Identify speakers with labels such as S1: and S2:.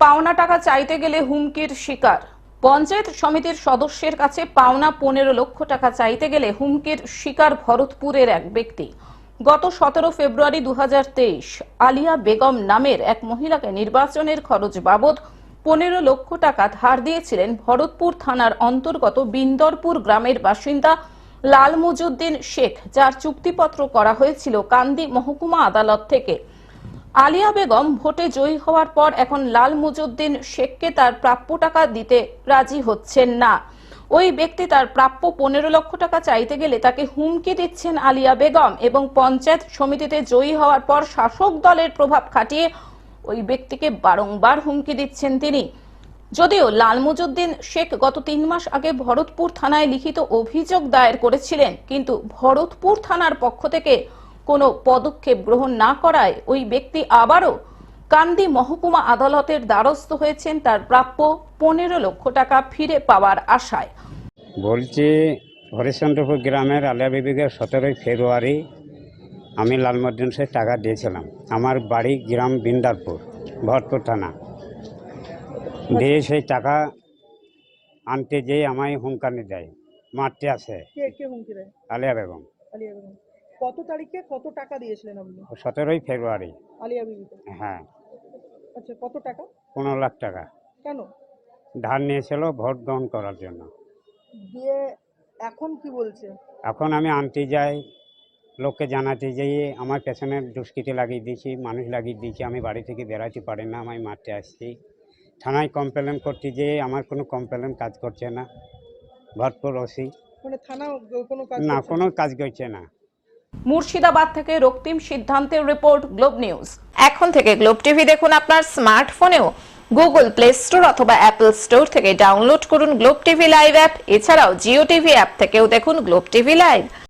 S1: পাওনা টাকা চাইতে গেলে হুমকির শিকার। পঞ্চায়েত সমিতির সদস্যের কাছে পাওনা 15 লক্ষ টাকা চাইতে গেলে হুমকির শিকার ভরতপুরের এক ব্যক্তি। গত 17 ফেব্রুয়ারি 2023 আলিয়া বেগম নামের এক মহিলাকে নির্বাচনের খরচ বাবদ 15 লক্ষ টাকা ধার দিয়েছিলেন ভরতপুর থানার অন্তর্গত বিন্দরপুর গ্রামের বাসিন্দা লাল মুজুদ্দিন শেখ, যার চুক্তিপত্র করা হয়েছিল কান্দি মহকুমা আদালত থেকে। আলিয়া বেগম ভোটে জয়ী হওয়ার পর এখন লাল মুজুদ্দিন শেখকে তার প্রাপ্য টাকা দিতে রাজি হচ্ছেন না। ওই ব্যক্তি তার প্রাপ্য 15 লক্ষ টাকা চাইতে গেলে তাকে হুমকি দিচ্ছেন আলিয়া বেগম এবং পঞ্চায়েত সমিতিতে জয়ী হওয়ার পর শাসক দলের প্রভাব খাটিয়ে ওই ব্যক্তিকে বারংবার হুমকি দিচ্ছেন তিনি। যদিও লাল মুজুদ্দিন শেখ গত 3 মাস আগে ভরতপুর থানায় লিখিত অভিযোগ দায়ের করেছিলেন, কিন্তু ভরতপুর থানার পক্ষ থেকে কোনো পদক্ষেপ গ্রহণ না করায় ওই ব্যক্তি আবারও কান্দি মহকুমা আদালতের দ্বারস্থ হয়েছেন তার প্রাপ্য 15 লক্ষ টাকা ফিরে পাওয়ার আশায়।
S2: বলছি, হরিশ্চন্দ্রপুর গ্রামের আলিয়া বিবিকে 17 ফেব্রুয়ারি আমি লালমুদ্দিন শেখ টাকা দিয়েছিলাম। আমার বাড়ি গ্রাম বিন্দারপুর, ভরতপুর থানা। দিয়ে সেই টাকা আনতে যেয়ে আমায় হুমকানি দেয়, মারতে আসে।
S3: কে হুমকি দেয়?
S2: আলিয়া বেগম।
S3: আলিয়া বেগম কত তারিখে কত টাকা দিয়েছিলেন আপনি
S2: 17 ফেব্রুয়ারি।
S3: আলিয়া বিবিকে?
S2: হ্যাঁ,
S3: আচ্ছা, কত টাকা?
S2: 15 লাখ টাকা
S3: কেন
S2: ধার নিয়েছিল ভোট গ্রহণ করার জন্য।
S3: দিয়ে এখন কি বলছে?
S2: এখন আমি আনতে যাই, লোককে জানাতে যেয়ে আমার পেছনে দুষ্কৃতি লাগিয়ে দিয়েছি, মানুষ লাগিয়ে দিয়েছি, আমি বাড়ি থেকে বেরাতে পারি না, আমি মারতে আসছি। থানায় কমপ্লেন করতে যেয়ে আমার কোনো কমপ্লেন কাজ করছে না। ভরতপুর ওসি
S3: মানে থানা কোনো কাজ
S2: না,
S3: করছে
S2: কোনো কাজ করছে না।
S1: মুর্শিদাবাদ থেকে রক্তিম সিদ্ধান্তের রিপোর্ট, গ্লোব নিউজ। এখন থেকে গ্লোব টিভি দেখুন আপনার স্মার্টফোনেও। গুগল প্লে স্টোর অথবা অ্যাপল স্টোর থেকে ডাউনলোড করুন গ্লোব টিভি লাইভ অ্যাপ। এছাড়াও জিও টিভি অ্যাপ থেকেও দেখুন গ্লোব টিভি লাইভ।